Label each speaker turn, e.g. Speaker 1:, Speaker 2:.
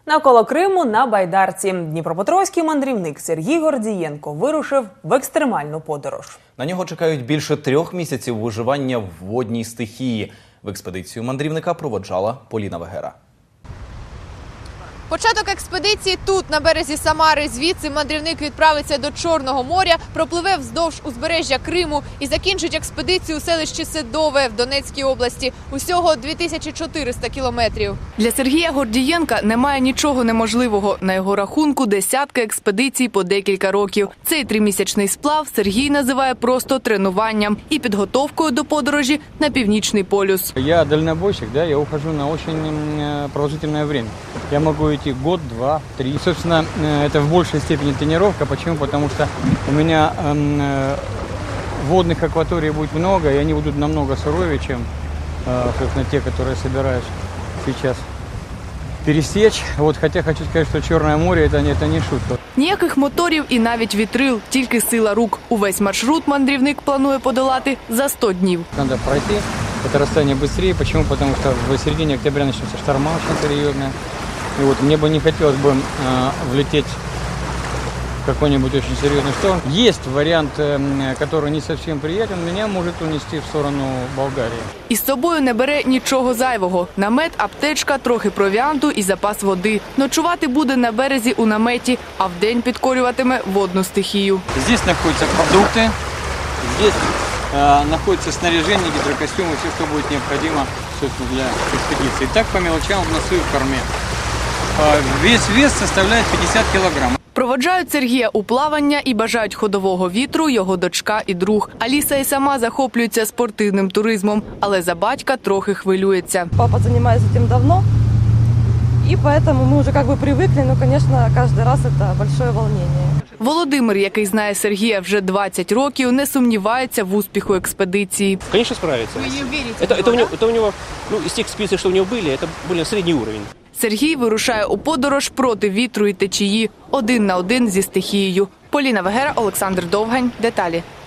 Speaker 1: Навколо Криму на байдарці дніпропетровський мандрівник Сергій Гордієнко вирушив в екстремальну подорож.
Speaker 2: На нього чекають більше 3 місяців виживання в водній стихії. В експедицію мандрівника проводжала Поліна Вегера.
Speaker 3: Початок експедиції тут, на березі Самари. Звідси мандрівник відправиться до Чорного моря, пропливе вздовж узбережжя Криму і закінчить експедицію у селищі Седове в Донецькій області. Усього 2400 кілометрів. Для Сергія Гордієнка немає нічого неможливого. На його рахунку десятки експедицій по декілька років. Цей 3-місячний сплав Сергій називає просто тренуванням і підготовкою до подорожі на Північний полюс.
Speaker 4: Я дальнобойщик, я ухожу на очень продолжительное время. Я могу идти год, 2, 3. Собственно, это в большей степени тренировка. Почему? Потому что у меня водных акваторий будет много, и они будут намного суровее, чем, собственно, те, которые собираюсь сейчас пересечь. Хотя хочу сказать, что Черное море это не шутка.
Speaker 3: Ніяких моторів і навіть вітрил, тільки сила рук. Увесь маршрут мандрівник планує подолати за 100 днів.
Speaker 4: Надо пройти это расстояние быстрее. Почему? Потому что в середине октября начнется шторма очень серьезная. И мне бы не хотелось бы влететь в какой-нибудь очень серьезный шторм. Есть вариант, который не совсем приятен, меня может унести в сторону Болгарии.
Speaker 3: Із собою не бере нічого зайвого. Намет, аптечка, трохи провіанту і запас води. Ночувати буде на березі у наметі, а вдень підкорюватиме водну стихію.
Speaker 4: Здесь находятся продукты, здесь находится снаряжение, гидрокостюмы, все, что будет необходимо, собственно, для экспедиции. Так по мелочам в носу и в корме. Весь вес составляет 50 килограмм.
Speaker 3: Проводжають Сергія у плавання і бажають ходового вітру його дочка і друг. Аліса і сама захоплюється спортивним туризмом, але за батька трохи хвилюється.
Speaker 5: Папа занимается этим давно, и поэтому мы уже привыкли, но, конечно, каждый раз это большое волнение.
Speaker 3: Володимир, який знає Сергія вже 20 років, не сумнівається в успіху експедиції.
Speaker 6: Конечно, справится. Вы верите? Это у него, из тех экспедиций, что у него были, это более средний уровень.
Speaker 3: Сергій вирушає у подорож проти вітру і течії, 1 на 1 зі стихією. Поліна Вегера, Олександр Довгань. Деталі.